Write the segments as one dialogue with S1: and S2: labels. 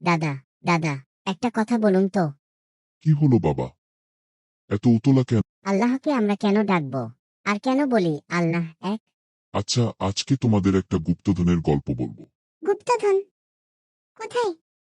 S1: দাদা, দাদা, একটা কথা বলুন তো।
S2: কি হলো বাবা? এত উতলা কেন?
S1: আল্লাহকে আমরা কেন ডাকবো? আর কেন বলি আল্লাহ এক?
S2: আচ্ছা, আজকে তোমাদের একটা গুপ্তধনের গল্প বলবো।
S1: গুপ্তধন? কোথায়?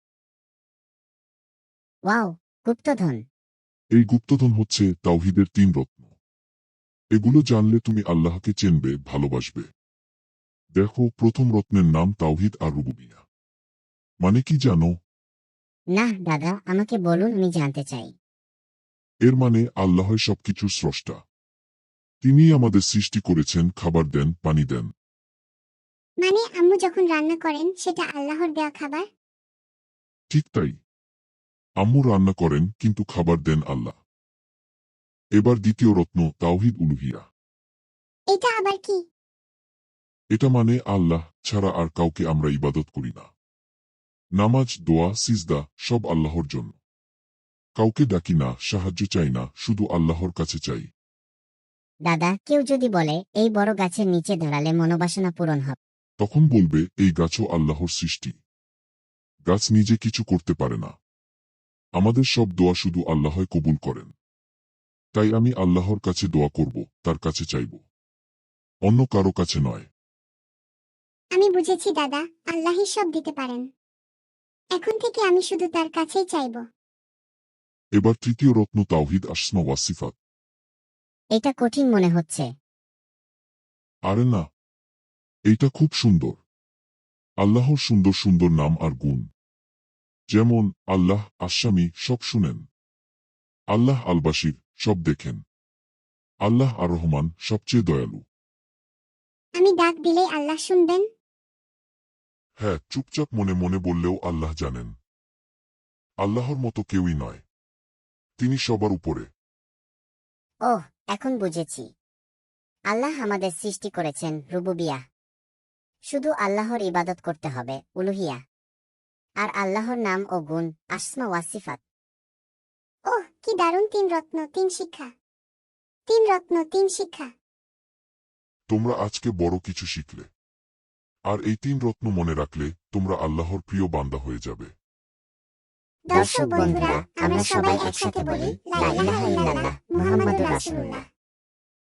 S1: ওয়াও, গুপ্তধন।
S2: এই গুপ্তধন হচ্ছে তাওহীদের 3 রত্ন। এগুলো জানলে তুমি আল্লাহকে চিনবে, ভালোবাসবে। দেখো, প্রথম রত্নের নাম তাওহীদ আর রুবুবিয়্যাহ। মানে কি জানো?
S1: না দাদা, আমাকে বলুন, আমি জানতে চাই।
S2: এর মানে আল্লাহই সবকিছুর স্রষ্টা। তিনিই আমাদের সৃষ্টি করেছেন, খাবার দেন, পানি দেন।
S3: মানে আম্মু যখন রান্না করেন সেটা আল্লাহর দেয়া খাবার?
S2: ঠিক তাই। আম্মু রান্না করেন কিন্তু খাবার দেন আল্লাহ। এবার দ্বিতীয় রত্ন তাওহীদ উলুহিয়া।
S3: এটা আবার কি?
S2: এটা মানে আল্লাহ ছাড়া আর কাউকে আমরা ইবাদত করি না। নামাজ, দোয়া, সিজদা সব আল্লাহর জন্য। কাউকে ডাকি না, সাহায্য চাই না, শুধু আল্লাহর কাছে চাই।
S1: দাদা, কেউ যদি বলে এই বড় গাছের নিচে দাঁড়ালে মনোবাসনা পূরণ হবে,
S2: তখন বলবে এই গাছও আল্লাহর সৃষ্টি। গাছ নিজে কিছু করতে পারে না। আমাদের সব দোয়া শুধু আল্লাহই কবুল করেন। তাই আমি আল্লাহর কাছে দোয়া করব, তার কাছে চাইব, অন্য কারো কাছে নয়।
S3: আমি বুঝেছি দাদা, আল্লাহই সব দিতে পারেন। এখন থেকে আমি শুধু তার কাছেই চাইব।
S2: এবার তৃতীয় রত্ন তাওহীদ আসমা ওয়া সিফাত।
S1: এটা কঠিন মনে হচ্ছে।
S2: আরে না, এইটা খুব সুন্দর। আল্লাহর সুন্দর সুন্দর নাম আর গুণ। যেমন আল্লাহ আসামি, সব শুনেন। আল্লাহ আল বাসির, সব দেখেন। আল্লাহ আর রহমান, সবচেয়ে দয়ালু।
S3: আমি ডাক দিলেই আল্লাহ শুনবেন?
S2: হ্যাঁ, চুপচাপ মনে মনে বললেও আল্লাহ জানেন। আল্লাহর মতো কেউই নয়। তিনি সবার উপরে।
S1: ওহ, এখন বুঝেছি। আল্লাহ আমাদের সৃষ্টি করেছেন রুবুবিয়াহ। শুধু আল্লাহর ইবাদত করতে হবে, উলুহিয়া। আর আল্লাহর নাম ও গুণ, আসমা ওয়া সিফাত।
S3: ওহ, কি দারুণ! 3 রত্ন 3 শিক্ষা। 3 রত্ন 3 শিক্ষা।
S2: তোমরা আজকে বড় কিছু শিখলে। আর এই 3 রত্ন মনে রাখলে তোমরা আল্লাহর প্রিয় বান্দা হয়ে যাবে।
S3: দর্শক বন্ধুরা, আমরা সবাই একসাথে বলি লা ইলাহা ইল্লাল্লাহ মুহাম্মাদুর রাসূলুল্লাহ।